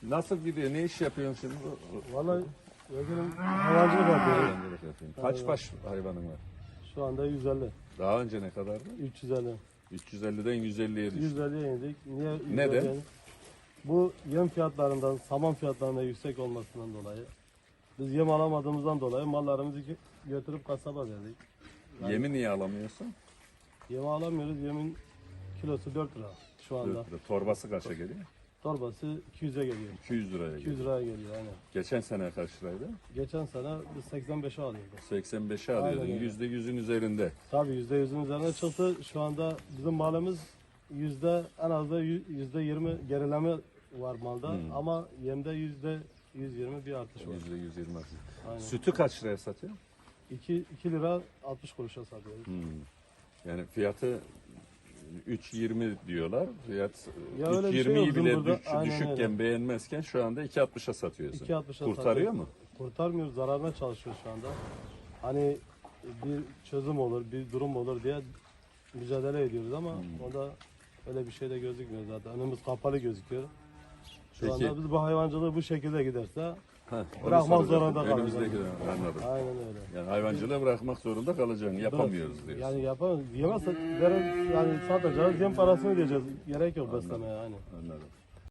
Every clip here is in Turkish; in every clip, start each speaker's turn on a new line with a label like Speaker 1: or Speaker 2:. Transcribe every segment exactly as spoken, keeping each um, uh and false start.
Speaker 1: Nasıl gidiyor? Ne iş yapıyorsun şimdi?
Speaker 2: Vallahi vekilim hayvancılık yapıyorum.
Speaker 1: Hayvancılık yapıyorsun. Kaç baş hayvanın var?
Speaker 2: Şu anda yüz elli.
Speaker 1: Daha önce ne kadardı?
Speaker 2: üç yüz elli.
Speaker 1: üç yüz elliden yüz elliye düştü.
Speaker 2: yüz elliye indik. Niye yüz elliye
Speaker 1: Neden?
Speaker 2: indik? Bu yem fiyatlarından, saman fiyatlarından yüksek olmasından dolayı. Biz yem alamadığımızdan dolayı mallarımızı gö- götürüp kasaba verdik. Yani
Speaker 1: Yemi niye alamıyorsun?
Speaker 2: Yem alamıyoruz. Yemin kilosu dört lira şu anda.
Speaker 1: dört lira. Torbası kaça geliyor?
Speaker 2: Torbası iki yüze geliyor.
Speaker 1: iki yüz liraya
Speaker 2: iki yüz
Speaker 1: geliyor.
Speaker 2: liraya geliyor aynen.
Speaker 1: Geçen sene kaç liraydı?
Speaker 2: Geçen sene biz seksen beşe alıyorduk.
Speaker 1: seksen beşe alıyordun.
Speaker 2: Aynen öyle.
Speaker 1: yüzde yüzün üzerinde.
Speaker 2: Tabii yüzde yüzün üzerine çıktı. Şu anda bizim malımız yüzde en az da yüzde yirmi gerileme var malda ama yemde yüzde yüz yirmi bir artış var.
Speaker 1: yüzde yüz yirmi.
Speaker 2: Aynen.
Speaker 1: Sütü kaç liraya satıyor?
Speaker 2: iki lira altmış kuruşa satıyoruz.
Speaker 1: Hmm. Yani fiyatı üç yirmi diyorlar. Fiyat
Speaker 2: Ya öyle bir
Speaker 1: üç
Speaker 2: şey
Speaker 1: yirmiyi
Speaker 2: yok
Speaker 1: bile
Speaker 2: bizim burada.
Speaker 1: düş-
Speaker 2: Aynen
Speaker 1: düşükken
Speaker 2: öyle.
Speaker 1: beğenmezken şu anda iki altmışa satıyorsun.
Speaker 2: iki altmışa
Speaker 1: Kurtarıyor
Speaker 2: satıyoruz.
Speaker 1: mu?
Speaker 2: Kurtarmıyoruz, zararına çalışıyoruz şu anda. Hani bir çözüm olur, bir durum olur diye mücadele ediyoruz ama o da öyle bir şey de gözükmüyor zaten. Önümüz kapalı gözüküyor. Şu
Speaker 1: Peki.
Speaker 2: anda biz bu hayvancılığı bu şekilde giderse
Speaker 1: Ha, onu
Speaker 2: Bırakmak
Speaker 1: soracaktım.
Speaker 2: zorunda kalacağız.
Speaker 1: Önümüzdeki dönem, anladım.
Speaker 2: aynen öyle.
Speaker 1: Yani hayvancılığı bırakmak zorunda kalacaksın. Yapamıyoruz diyorsun.
Speaker 2: Yani yapamıyoruz. Yemezsek verin, yani satacağız, yem parasını ödeyeceğiz. Gerek yok beslemeye aynen.
Speaker 1: Anladım.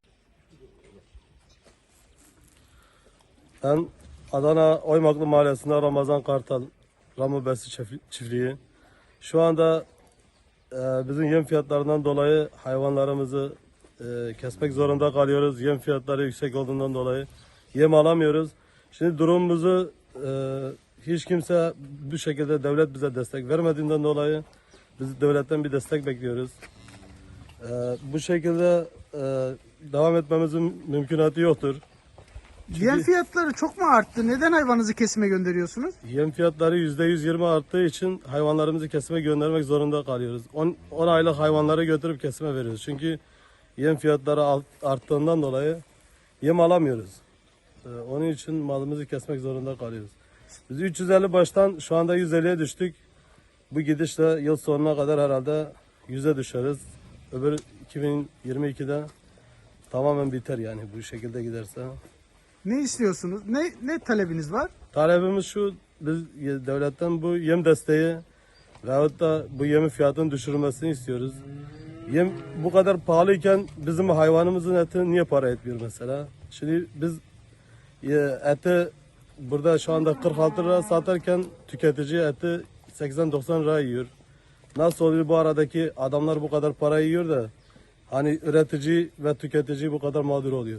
Speaker 2: Ben Adana Oymaklı Mahallesi'nde Ramazan Kartal Ramu Besi çift- çiftliği. Şu anda e, bizim yem fiyatlarından dolayı hayvanlarımızı e, kesmek zorunda kalıyoruz. Yem fiyatları yüksek olduğundan dolayı yem alamıyoruz. Şimdi durumumuzu e, hiç kimse bu şekilde devlet bize destek vermediğinden dolayı biz devletten bir destek bekliyoruz. E, bu şekilde e, devam etmemizin mümkünatı yoktur.
Speaker 3: Yem fiyatları çok mu arttı? Neden hayvanınızı kesime gönderiyorsunuz?
Speaker 2: Yem fiyatları yüzde yüz yirmi arttığı için hayvanlarımızı kesime göndermek zorunda kalıyoruz. on aylık hayvanları götürüp kesime veriyoruz. Çünkü yem fiyatları alt- arttığından dolayı yem alamıyoruz. Ee, onun için malımızı kesmek zorunda kalıyoruz. Biz üç yüz elli baştan şu anda yüz elliye düştük. Bu gidişle yıl sonuna kadar herhalde yüze düşeriz. Öbür iki bin yirmi ikide tamamen biter yani bu şekilde giderse.
Speaker 3: Ne istiyorsunuz? Ne ne talebiniz var?
Speaker 2: Talebimiz şu, biz devletten bu yem desteği veyahut da bu yemin fiyatının düşürülmesini istiyoruz. Yem bu kadar pahalıyken bizim hayvanımızın eti niye para etmiyor mesela? Şimdi biz e, eti burada şu anda kırk altı lira satarken tüketici eti seksen doksan lira yiyor. Nasıl oluyor bu aradaki adamlar bu kadar para yiyor da hani üretici ve tüketici bu kadar mağdur oluyor?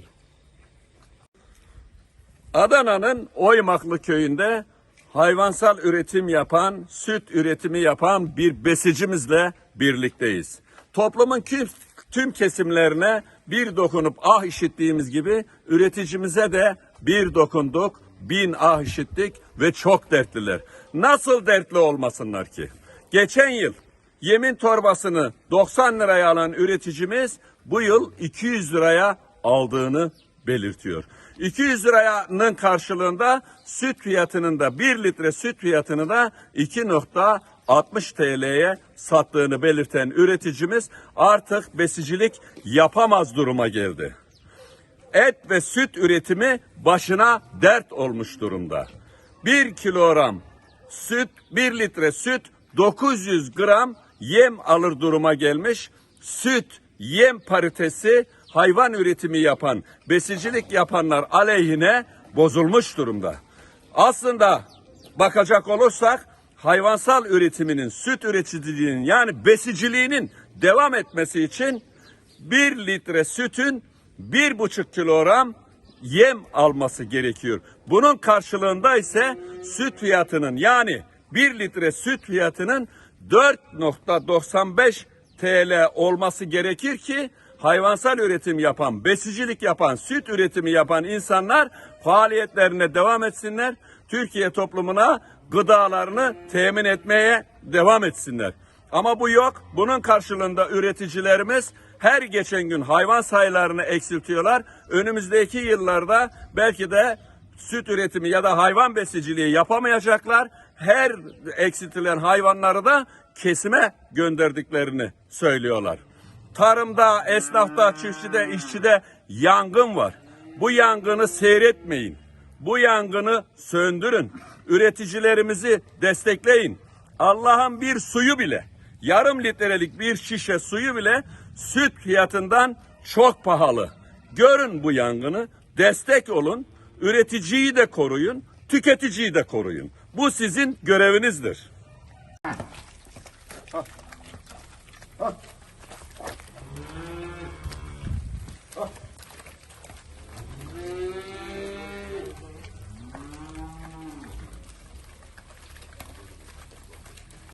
Speaker 4: Adana'nın Oymaklı köyünde hayvansal üretim yapan, süt üretimi yapan bir besicimizle birlikteyiz. Toplumun tüm, tüm kesimlerine bir dokunup ah işittiğimiz gibi üreticimize de bir dokunduk, bin ah işittik ve çok dertliler. Nasıl dertli olmasınlar ki? Geçen yıl yemin torbasını doksan liraya alan üreticimiz bu yıl iki yüz liraya aldığını belirtiyor. iki yüz liranın karşılığında süt fiyatının da bir litre süt fiyatını da iki nokta altmış T L'ye sattığını belirten üreticimiz artık besicilik yapamaz duruma geldi. Et ve süt üretimi başına dert olmuş durumda. Bir kilogram süt, bir litre süt dokuz yüz gram yem alır duruma gelmiş. Süt, yem paritesi hayvan üretimi yapan, besicilik yapanlar aleyhine bozulmuş durumda. Aslında bakacak olursak hayvansal üretiminin, süt üreticiliğinin yani besiciliğinin devam etmesi için bir litre sütün bir buçuk kilogram yem alması gerekiyor. Bunun karşılığında ise süt fiyatının yani bir litre süt fiyatının dört nokta doksan beş T L olması gerekir ki hayvansal üretim yapan, besicilik yapan, süt üretimi yapan insanlar faaliyetlerine devam etsinler. Türkiye toplumuna gıdalarını temin etmeye devam etsinler. Ama bu yok. Bunun karşılığında üreticilerimiz her geçen gün hayvan sayılarını eksiltiyorlar. Önümüzdeki yıllarda belki de süt üretimi ya da hayvan besiciliği yapamayacaklar. Her eksiltilen hayvanları da kesime gönderdiklerini söylüyorlar. Tarımda, esnafta, çiftçide, işçide yangın var. Bu yangını seyretmeyin. Bu yangını söndürün. Üreticilerimizi destekleyin. Allah'ın bir suyu bile, yarım litrelik bir şişe suyu bile süt fiyatından çok pahalı. Görün bu yangını, destek olun, üreticiyi de koruyun, tüketiciyi de koruyun. Bu sizin görevinizdir.
Speaker 2: Ah.